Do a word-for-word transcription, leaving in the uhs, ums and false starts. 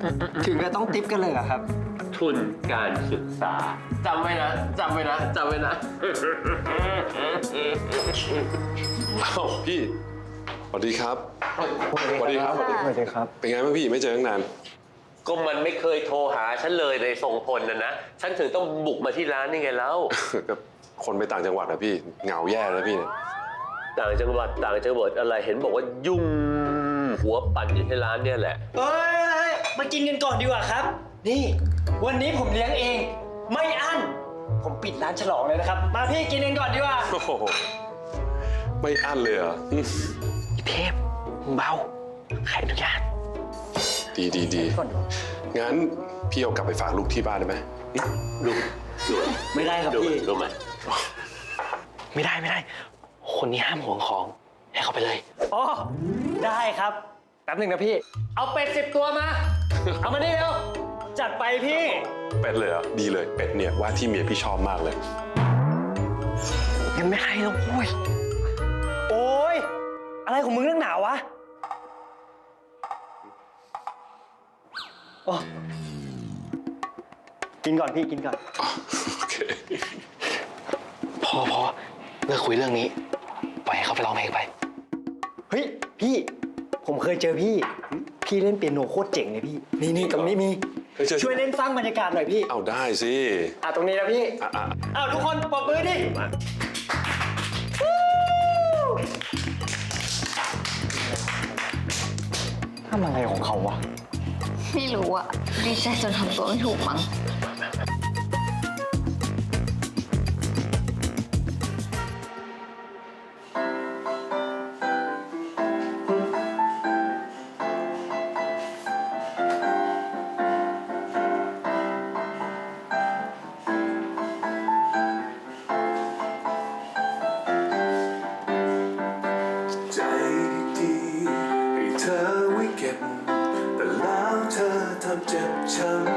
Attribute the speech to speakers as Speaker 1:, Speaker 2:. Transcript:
Speaker 1: ถึงจะต้องติปกันเลยเหรอครับ
Speaker 2: ทุนการศึกษาจำไว้นะจำไว้นะจำไว้นะ
Speaker 3: อ้าวพี่สวัสดีครับสวัสดีครับ
Speaker 1: สวัสดีครับ
Speaker 3: เป็นไงบ้างพี่ไม่เจอตั้งนาน
Speaker 2: ก็มันไม่เคยโทรหาฉันเลยในทรงพลนะนะฉันถึงต้องบุกมาที่ร้านนี่ไงแล้ว
Speaker 3: กับคนไปต่างจังหวัดอะพี่เหงาแย่แล้วพี่เนี่ย
Speaker 2: ต่างจังหวัดต่างจังหวัดอะไรเห็นบอกว่ายุ่งหัวปั่นอยู่ที่ร้านเนี่ยแหละ
Speaker 1: เอ้ยมากินกันก่อนดีกว่าครับนี่วันนี้ผมเลี้ยงเองไม่อั้นผมปิดร้านฉลองเลยนะครับมาพี่กินกันก่อนดีกว่า
Speaker 3: โอ้โหไม่อั้นเลยเหรออืม
Speaker 1: เทพเบาใครอนุญาต
Speaker 3: ดีดีดีงั้นพี่เอากลับไปฝากลูกที่บ้านได้ไหม
Speaker 2: ดูดู
Speaker 1: ไม่ได้ครับ
Speaker 2: ดู
Speaker 1: พี่
Speaker 2: ดูไหม
Speaker 4: ไม่ได้ไม่ได้ คนนี้ห้ามห่วงของให้เขาไปเลย
Speaker 1: อ๋อได้ครับแป๊บหนึ่งนะพี่ เอาเป็ดสิบตัวมา เอามานี่เร็วจัดไปพี่
Speaker 3: เป็ดเลยเหรอดีเลยเป็ดเนี่ยว่าที่เมียพี่ชอบมากเลย
Speaker 4: ยังไม่ให้แล้วโว้ย
Speaker 1: โอ้ยอะไรของมึงเรื่องหนาววะโอ้กินก่อนพี่กินก่อน
Speaker 3: โอเค
Speaker 4: พอพอเลิกคุยเรื่องนี้ ปล่อยให้เขาไปร้องเพลงไป
Speaker 1: เฮ้ยพี่ผมเคยเจอพี่ พี่เล่นเปียโนโคตรเจ๋งเลยพี่ นี่นี่ตรงนี้มี
Speaker 3: เฮ้ยเจอ
Speaker 1: ช่วยเล่นสร้างบรรยากาศหน่อยพี่
Speaker 3: เอาได้สิ
Speaker 1: อ่ะตรงนี้นะพี่
Speaker 3: อ่ะอ่ะ
Speaker 1: อ้าวทุกคนปรบมือดิทำอะไรของเขาวะ
Speaker 5: ไม่รู้อะดีใจจนทำตัวไม่ถูกมั้ง
Speaker 6: ใจดีๆให้เธอไว้เก็บ แต่แล้วเธอทำเจ็บช้ำ